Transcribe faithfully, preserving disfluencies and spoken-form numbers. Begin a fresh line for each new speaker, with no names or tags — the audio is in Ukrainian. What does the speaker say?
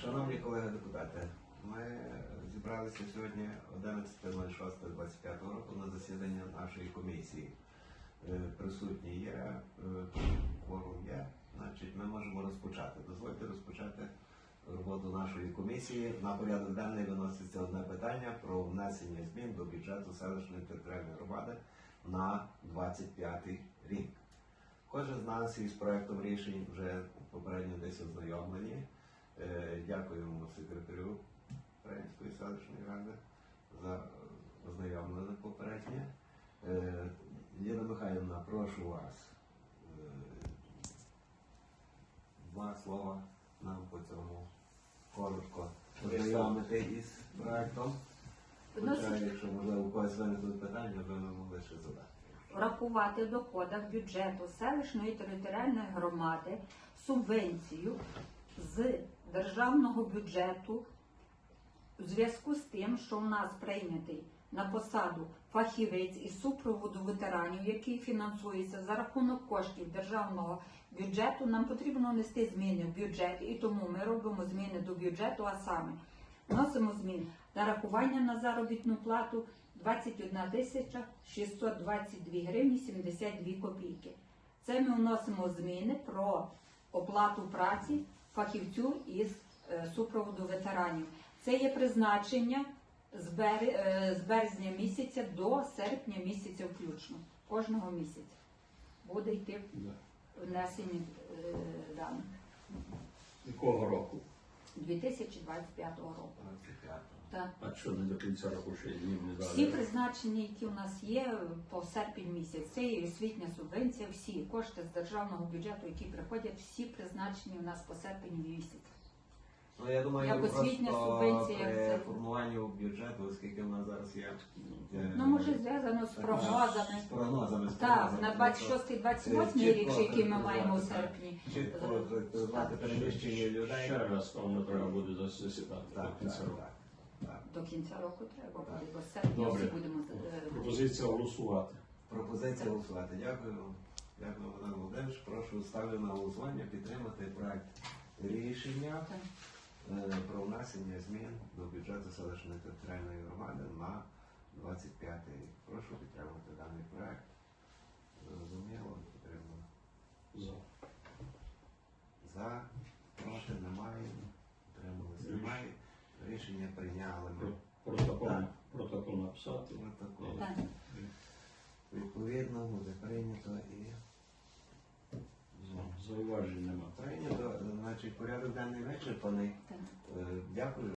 Шановні колеги депутати, ми зібралися сьогодні одинадцятого шостого двадцять п'ятого року на засідання нашої комісії. Е, Присутні є, е, кворум є, значить ми можемо розпочати. Дозвольте розпочати роботу нашої комісії. На порядок денний виноситься одне питання про внесення змін до бюджету селищної територіальної громади на двадцять п'ятий рік. Кожен з нас із проектом рішень вже попередньо десь ознайомлені. Дякуємо секретарю Української селищної ради за ознайомлення попереднє. Ліна Михайлівна, прошу вас два слова нам по цьому коротко ознайомити із проектом. Хоча, якщо можливо у когось виникнуть питання, ви могли ще задати.
Врахувати в доходах бюджету селищної територіальної громади субвенцію з державного бюджету у зв'язку з тим, що в нас прийнятий на посаду фахівець із супроводу ветеранів, який фінансується за рахунок коштів державного бюджету, нам потрібно внести зміни в бюджет, і тому ми робимо зміни до бюджету, а саме вносимо зміни нарахування на заробітну плату двадцять одна тисяча шістсот двадцять дві гривні сімдесят дві копійки. Це ми вносимо зміни про оплату праці фахівцю із е, супроводу ветеранів. Це є призначення з, бер... е, з березня місяця до серпня місяця включно. Кожного місяця буде йти внесення е, даних.
Якого року?
дві тисячі двадцять п'ятого року. Так.
А що не до кінця року ще їм не дали?
Всі призначення, які у нас є по серпень місяць, це є освітня субвенція, всі кошти з державного бюджету, які приходять, всі призначені у нас по серпень місяць.
Ну, я думаю,
Як освітня
просто
субвенція,
при
це-
формуванню бюджету, оскільки в нас зараз є... е,
Ну, може, зв'язано з
така-
прогнозами.
З прогнозами. з
Так,
прогнозами.
на двадцять шостий двадцять
Це
восьмий рік,
чітко
який ми маємо у
характеризувати,
серпні.
Чітко характеризувати переміщення людей.
Ще раз, певно, треба буде засідати
Так,
до кінця
так,
року.
так, так.
До кінця року треба буде, бо з серпня
Добре.
всі будемо... е,
Пропозиція голосувати.
Пропозиція голосувати. Дякую. Дякую, Богдан Володимирович. Прошу ставлю на голосування підтримати проект рішення
так.
е, про внесення змін до бюджету селищної територіальної громади на двадцять п'ятий рік. Прошу підтримати даний проект. Зрозуміло, підтримую.
За.
За, проти немає, утрималися немає. Рішення прийняли ми.
Протокол,
Так.
протокол написати.
Протокол.
Так.
Відповідно, буде прийнято і ну,
Зауважень нема.
прийнято. Значить, порядок денний вичерпаний.
Так.
Е, Дякую.